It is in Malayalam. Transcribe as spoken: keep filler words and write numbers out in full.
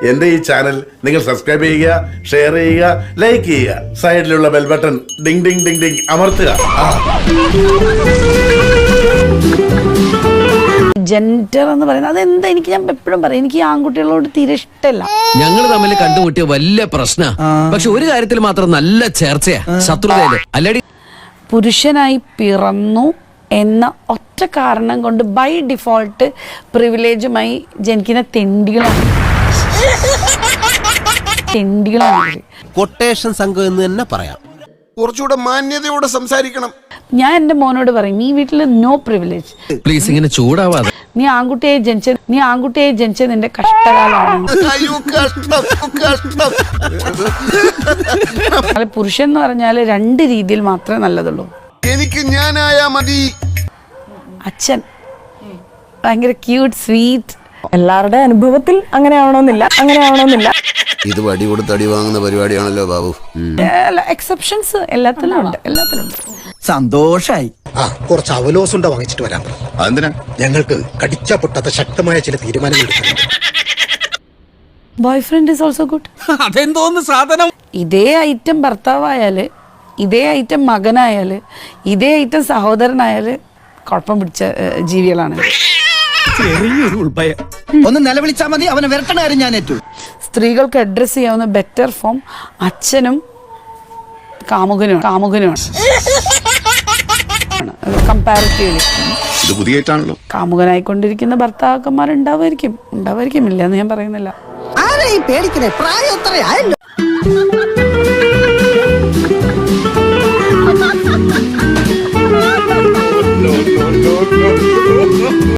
എന്റെ ഈ ചാനൽ നിങ്ങൾ സബ്സ്ക്രൈബ് ചെയ്യുക, ഷെയർ ചെയ്യുക, ലൈക്ക് ചെയ്യുക, സൈഡിലുള്ള bell button ding ding ding ding അമർത്തുക. ജെൻഡർ എന്ന് പറയുന്നത് അതെന്താ, എനിക്ക് ഞാൻ എപ്പോഴും പറയും, എനിക്ക് ഈ ആൺകുട്ടികളോട് തീരെ ഇഷ്ടമല്ല. ഞങ്ങൾ തമ്മിൽ കണ്ടുമുട്ടിയ വലിയ പ്രശ്ന, പക്ഷെ ഒരു കാര്യത്തിൽ മാത്രം നല്ല ചേർച്ചയാ, ശത്രുതയില് അല്ലടി. പുരുഷനായി പിറന്നു എന്ന ഒറ്റ കാരണം കൊണ്ട് ബൈ ഡിഫോൾട്ട് പ്രിവിലേജുമായി ജനിക്കുന്ന തെണ്ടികളാണ് തെണ്ടികളാണ് കൊട്ടേഷൻ സംഘം എന്ന് തന്നെ പറയാം. കുറച്ചുകൂടെ മാന്യതയോടെ സംസാരിക്കണം. ഞാൻ എന്റെ മോനോട് പറയും, ഈ വീട്ടിൽ നോ പ്രിവിലേജ്. പ്ലീസ് ഇങ്ങനെ ചൂടാവാതെ. നീ ആൺകുട്ടിയെ ജനിച്ച നീ ആൺകുട്ടിയെ ജനിച്ച നിന്റെ കഷ്ടകാലമാണ്. പുരുഷൻ എന്ന് പറഞ്ഞാൽ രണ്ട് രീതിയിൽ മാത്രമേ നല്ലതുള്ളൂ. എനിക്ക് ഞാനായാ മതി. അച്ഛൻ ഭയങ്കര ക്യൂട്ട്, സ്വീറ്റ്. എല്ലാവരുടെ അനുഭവത്തിൽ അങ്ങനെ ആവണമെന്നില്ല, അങ്ങനെ ആവണമെന്നില്ല. ഇത് വടി കൊടുത്ത് അടി വാങ്ങുന്ന പരിപാടിയാണല്ലോ ബാബു. എക്സെപ്ഷൻസ് എല്ലാത്തിലും ഉണ്ട്, എല്ലാത്തിലും ഉണ്ട്. സന്തോഷായി. ആ കുറച്ച് അവലോസുണ്ട വാങ്ങിച്ചിട്ട് വരാം. അതെന്തിനാ? ഞങ്ങൾക്ക് കടിച്ചാ പൊട്ടാത്ത ശക്തമായ ചില തീരുമാനങ്ങൾ എടുക്കണം. Boy friend is also good. അതെന്തോന്ന് സാധനം? ഇതേ ഐറ്റം ഭർത്താവായാല്, ഇതേ ഐറ്റം മകനായാല്, ഇതേ ഐറ്റം സഹോദരനായാല് കുഴപ്പം പിടിച്ച ജീവികളാണ്. ചെറിയൊരു ഉൾഭയം. ഒന്ന് നിലവിളിച്ചാൽ മതി, അവനെ വരട്ടണ കാര്യം ഞാൻ ഏറ്റു. സ്ത്രീകൾക്ക് അഡ്രസ് ചെയ്യാവുന്ന ബെറ്റർ ഫോം അച്ഛനും കാമുകനുമാണ് കാമുകനുമാണ് കമ്പാരിറ്റീവ്ലി. ഇത് പുതിയായിട്ടാണല്ലോ. കാമുകനായിക്കൊണ്ടിരിക്കുന്ന ഭർത്താക്കന്മാർ ഉണ്ടാവുമായിരിക്കും, ഉണ്ടാവുമായിരിക്കും, ഇല്ല എന്ന് ഞാൻ പറയുന്നില്ല. ആരെയും പേടിക്കണേ, പ്രായം എത്രയായല്ലോ.